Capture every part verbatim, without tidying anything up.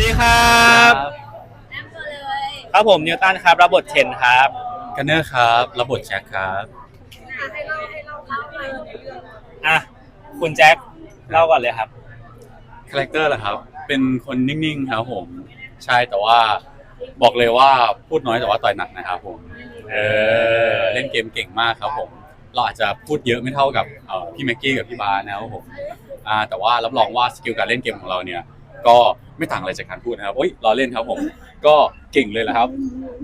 ดีครับแอมตัวเลยครับผมนิวตันครับรับบทเทนครับกันเนอร์ครับรับบทแจ็คครับให้เราให้เราเล่าไปในเรื่องอ่ะคุณแจ็คเล่าก่อนเลยครับคาแรคเตอร์ล่ะครับเป็นคนนิ่งๆครับผมใช่แต่ว่าบอกเลยว่าพูดน้อยแต่ว่าต่อยหนักนะครับผมเออเล่นเกมเก่งมากครับผมเราอาจจะพูดเยอะไม่เท่ากับเอ่อพี่แม็กกี้กับพี่บาร์นะครับผมอ่าแต่ว่ารับรองว่าสกิลการเล่นเกมของเราเนี่ยก็ไม่ต่างอะไรจากการพูดนะครับโอ้ยรอเล่นครับผมก็เก่งเลยแหละครับ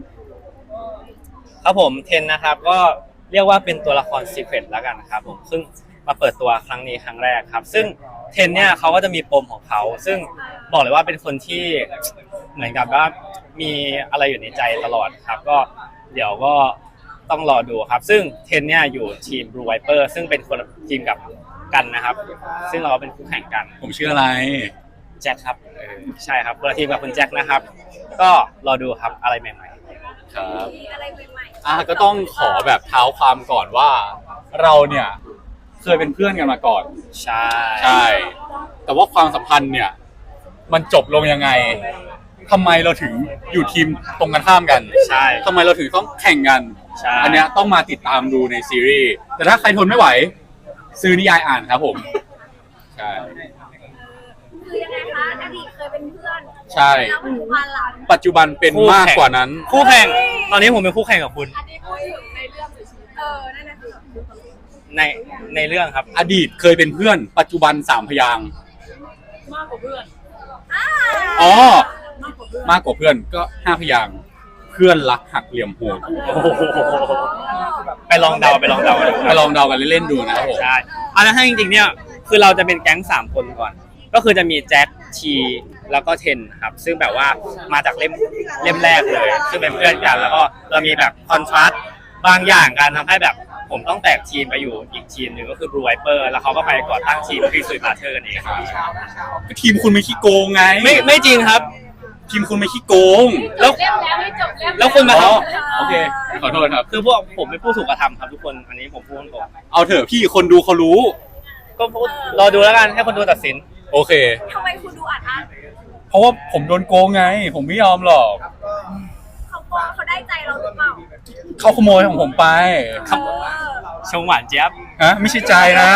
ครับผมเทนนะครับก็เรียกว่าเป็นตัวละครซีเครตแล้วกันครับผมซึ่งมาเปิดตัวครั้งนี้ครั้งแรกครับซึ่งเทนเนี่ยเขาก็จะมีปมของเขาซึ่งบอกเลยว่าเป็นคนที่เหมือนกับว่ามีอะไรอยู่ในใจตลอดครับก็เดี๋ยวก็ต้องรอดูครับซึ่งเทนเนี่ยอยู่ทีม Blue Viper ซึ่งเป็นคนทีมกับกันนะครับซึ่งเราเป็นคู่แข่งกันผมชื่ออะไรแจ็คครับเออใช่ครับคนละทีมกับคุณแจ็คนะครับก็รอดูครับอะไรใหม่ๆครับอะไรใหม่ๆอ่ะก็ต้องขอแบบเท้าความก่อนว่าเราเนี่ยเคยเป็นเพื่อนกันมาก่อนใช่ใช่แต่ว่าความสัมพันธ์เนี่ยมันจบลงยังไงทำไมเราถึงอยู่ทีมตรงกันข้ามกันใช่ทำไมเราถึงต้องแข่งกันใช่อันเนี้ยต้องมาติดตามดูในซีรีส์แต่ถ้าใครทนไม่ไหวซื้อนิยายอ่านครับผมใช่คือยังไงคะอดีตเคยเป็นเพื่อนใช่แล้วปัจจุบันหลังปัจจุบันเป็นมากกว่านั้นคู่แข่งตอนนี้ผมเป็นคู่แข่งกับคุณอันนี้พูดถึงในเรื่องหรือชีวิตเออนั่นน่ะคือในในเรื่องครับอดีตเคยเป็นเพื่อนปัจจุบันสามพยางค์มากกว่าเพื่อนอ๋อมากกว่าเพื่อนก็ห้าพยางค์เพื่อนรักหักเหลี่ยมโหดไปลองเดาไปลองเดาไปลองเดากันเล่นๆดูนะครับผมใช่อันนั้นถ้าจริงๆเนี่ยคือเราจะเป็นแก๊งสามคนก่อนก็คือจะมีแจ็คทีแล้วก็เทนครับซึ่งแบบว่ามาจากเล่มเล่มแรกเลยซึ่งเป็นเพื่อนกันแล้วก็เรามีแบบคอนทราสต์บางอย่างการทำให้แบบผมต้องแตกทีมไปอยู่อีกทีมหนึ่งก็คือ Blue Viper แล้วเขาก็ไปก่อตั้งทีมคริสต์มาเธอร์กันเองทีมคุณไม่ขี้โกงไงไม่ไม่จริงครับทีมคุณไม่ขี้โกงแล้วเล่มแล้วไม่จบเล่มแล้วคุณมาทำโอเคขอโทษครับคือพวกผมเป็นผู้ถูกกระทำครับทุกคนอันนี้ผมพูดตรงเอาเถอะพี่คนดูเขารู้ก็รอดูแล้วกันให้คนดูตัดสินโอเคทำไมคุณดูอัดอั้นเพราะว่าผมโดนโกงไงผมไม่ยอมหรอกเขาโกงเขาได้ใจเราหรือเปล่าเขาขโมยของผมไปครับชงหวานเจี๊ยบฮะไม่ใช่ใจนะ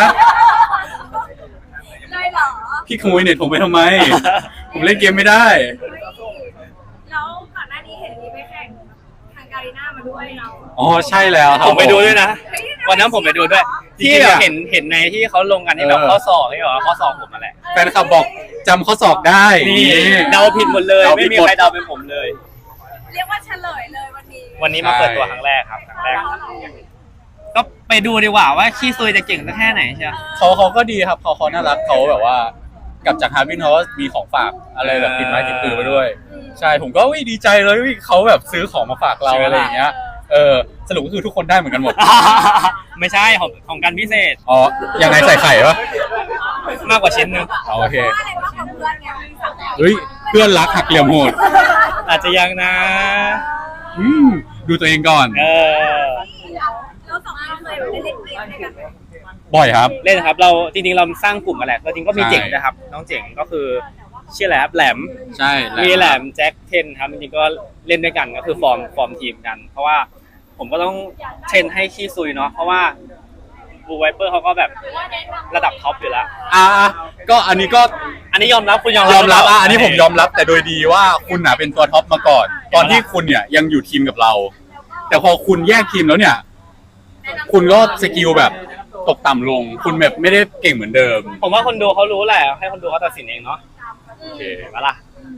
ได้เหรอพี่ขโมยเน็ตผมไปทำไมผมเล่นเกมไม่ได้แล้วก่อนหน้านี้เห็นมีไปแข่งทางการีน่ามาด้วยเนาะอ๋อใช่แล้วครับผมไปดูด้วยนะวันนั้นผมไปดูด้วยที่แบบเห็นเห็นในที่เขาลงกันที่แบบข้อศอกที่แบบข้อศอกผมมาแหละแฟนคลับบอกจำข้อศอกได้นี่เดาผิดหมดเลยไม่มีใครเดาเป็นผมเลยเรียกว่าเฉลยเลยวันนี้วันนี้มาเปิดตัวครั้งแรกครับครั้งแรกก็ไปดูดีกว่าว่าขี้ซุยจะเก่งแค่ไหนใช่ไหมเขาเขาก็ดีครับเขาเขาน่ารักเขาแบบว่ากลับจากฮาร์วินเขาก็มีของฝากอะไรแบบติดไม้ติดมือมาด้วยใช่ผมก็วิดีใจเลยวิเขาแบบซื้อของมาฝากเราอะไรอย่างเงี้ยเออสรุปก็คือทุกคนได้เหมือนกันหมดไม่ใช่ของของกันพิเศษอ๋อยังไงใส่ไข่ปะมากกว่าชิ้นนึงโอเคเฮ้ยเพื่อนรักหักเหลี่ยมโหดอาจจะยังนะอืมดูตัวเองก่อนเออเราสองคนเคยแบบเล่นเกมด้วยกันบ่อยครับเล่นครับเราจริงๆเราสร้างกลุ่มกันแหละจริงก็มีเจ๋งนะครับน้องเจ๋งก็คือชื่ออะไรครับแหลมใช่มีแหลมแจ็คเทนครับจริงๆก็เล่นด้วยกันก็คือฟอร์มฟอร์มทีมกันเพราะว่าผมก็ต้องเทรนให้ขี้ซุยเนาะเพราะว่าBlue Viperเขาก็แบบระดับท็อปอยู่แล้วอ่าก็อันนี้ก็อันนี้ยอมรับคุณยอมยอมรับอ่ะอันนี้ผมยอมรับแต่โดยดีว่าคุณน่ะเป็นตัวท็อปมาก่อนตอนที่คุณเนี่ยยังอยู่ทีมกับเราแต่พอคุณแยกทีมแล้วเนี่ยคุณก็สกิลแบบตกต่ำลงคุณแบบไม่ได้เก่งเหมือนเดิมผมว่าคนดูเขารู้แหละให้คนดูเขาตัดสินเองเนาะโอเคมาล่ะ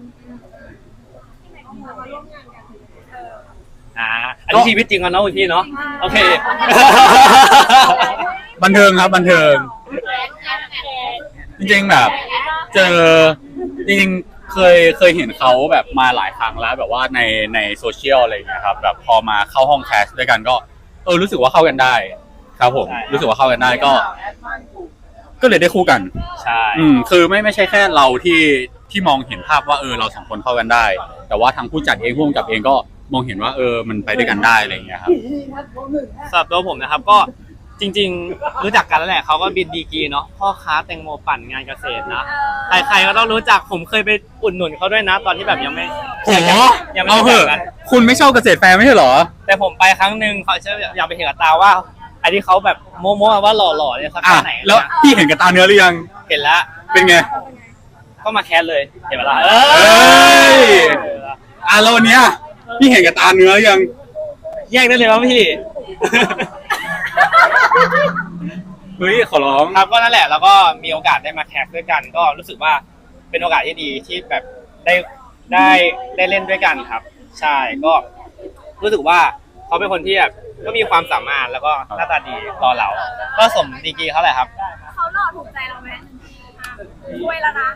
อ่าอันนี้ชีวิตจริงกันเนาะพี่เนาะโอเคบันเทิงครับบันเทิงจริงๆแบบเจอจริงๆเคยเคยเห็นเขาแบบมาหลายครั้งแล้วแบบว่าในในโซเชียลอะไรอย่างเงี้ยครับแบบพอมาเข้าห้องแคสด้วยกันก็เออรู้สึกว่าเข้ากันได้ครับผมรู้สึกว่าเข้ากันได้ก็ก็เลยได้คู่กันใช่อืมคือไม่ไม่ใช่แค่เราที่ที่มองเห็นภาพว่าเออเราสองคนเข้ากันได้แต่ว่าทางผู้จัดเองผู้กำกับเองก็มองเห็นว่าเออมันไปด้วยกันได้อะไรอย่างเงี้ยครับสำหรับตัวผมนะครับก็จริงๆ รู้จักกันแล้วแหละเขาก็บินดีกรีเนาะพ่อค้าแตงโมปั่นงานเกษตรนะใครๆก็ต้องรู้จักผมเคยไปอุดหนุนเขาด้วยนะ ตอนที่แบบยังไม่โหยังไม่เอาเหรู้อะจักกันคุณไม่ชอบเกษตรแฟร์ไม่ใช่เหรอแต่ผมไปครั้งหนึ่งเขาเชื่ออยากไปเห็นกับตาว่าไอ้ที่เขาแบบโม้ๆว่าหล่อๆเนี่ยสักอ่ะแค่ไหนแล้วพี่เห็นกับตาเนื้อหรือยังเห็นแล้วเป็นไงก็มาแคสเลยเห็นไหมล่ะเอ้ย อ่ะแล้ววันเนี้ยพี่เห็นกับตาเนื้อหรือยังแยกได้เลยว่าพี่เฮ้ยขอร้องครับก็นั่นแหละแล้วก็มีโอกาสได้มาแคสด้วยกัน ก็รู้สึกว่าเป็นโอกาสที่ดีที่แบบได้ได้ได้เล่นด้วยกันครับ ใช่ก็รู้สึกว่าเขาเป็นคนที่แบบก็มีความสามารถแล้วก็หน้าตาดีรอเราก็สมดีกรีเขาแหละครับเขาหล่อถูกใจเราไหมช่วยแล้วนะ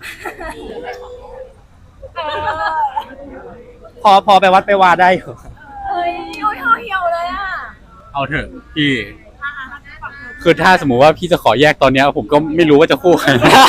เออพอพอไปวัดไปวาได้อยู่เฮ้ยโอ้ยห่อเหี่ยวเลยอ่ะเอาเถอะพี่อ่ะอ่ะอ่ะปรับตัวคือถ้าสมมุติว่าพี่จะขอแยกตอนเนี้ยผมก็ไม่รู้ว่าจะคู่ใคร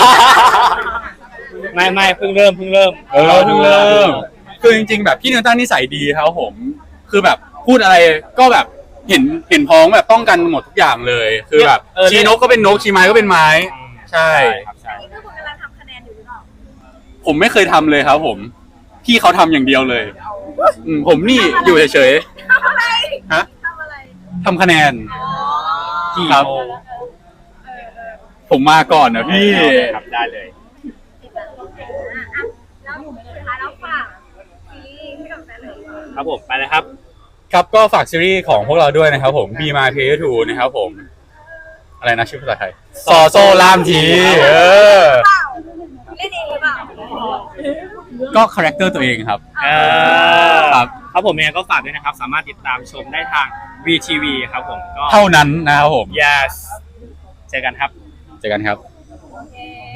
ไม่ไม่เพิ่งเริ่มเพิ่งเริ่มเออเพิ่งเริ่มคือจริงๆแบบพี่นิวตันนิสัยดีครับผม คือแบบพูดอะไรก็แบบเห็นเห็นพ้องแบบต้องกันหมดทุกอย่างเลย คือแบบเออชี้นกก็เป็นนกชี้ไม้ก็เป็นไม้ ใช่ครับใช่นี่คือคุณกำลังทำคะแนนอยู่หรือเปล่าผมไม่เคยทำเลยครับผม พี่เขาทำอย่างเดียวเลยอืมผมนี่อยู่เฉยทำอะไรๆฮะทำอะไรทำคะแนนอ๋อกี่ครับโมงเออเออผมมาก่อนนะพี่ครับได้เลยอ่ะแล้วสุดท้ายแล้วฝากซีรีส์ให้กับแฟนเลยครับผมไปเลยครับครับก็ฝากซีรีส์ของพวกเราด้วยนะครับผม Be My Player ทูนะครับผม อะไรนะชื่อภาษาไทยซอโซลามทีเออเปล่าเล่นเองหรือเปล่าก็คาแรคเตอร์ตัวเองครับเออครับครับผมยังไงก็ฝากด้วยนะครับ สามารถติดตามชมได้ทาง วี ที วี ครับผมก็เท่านั้นนะครับผม yes เจอกันครับเจอกันครับโอเค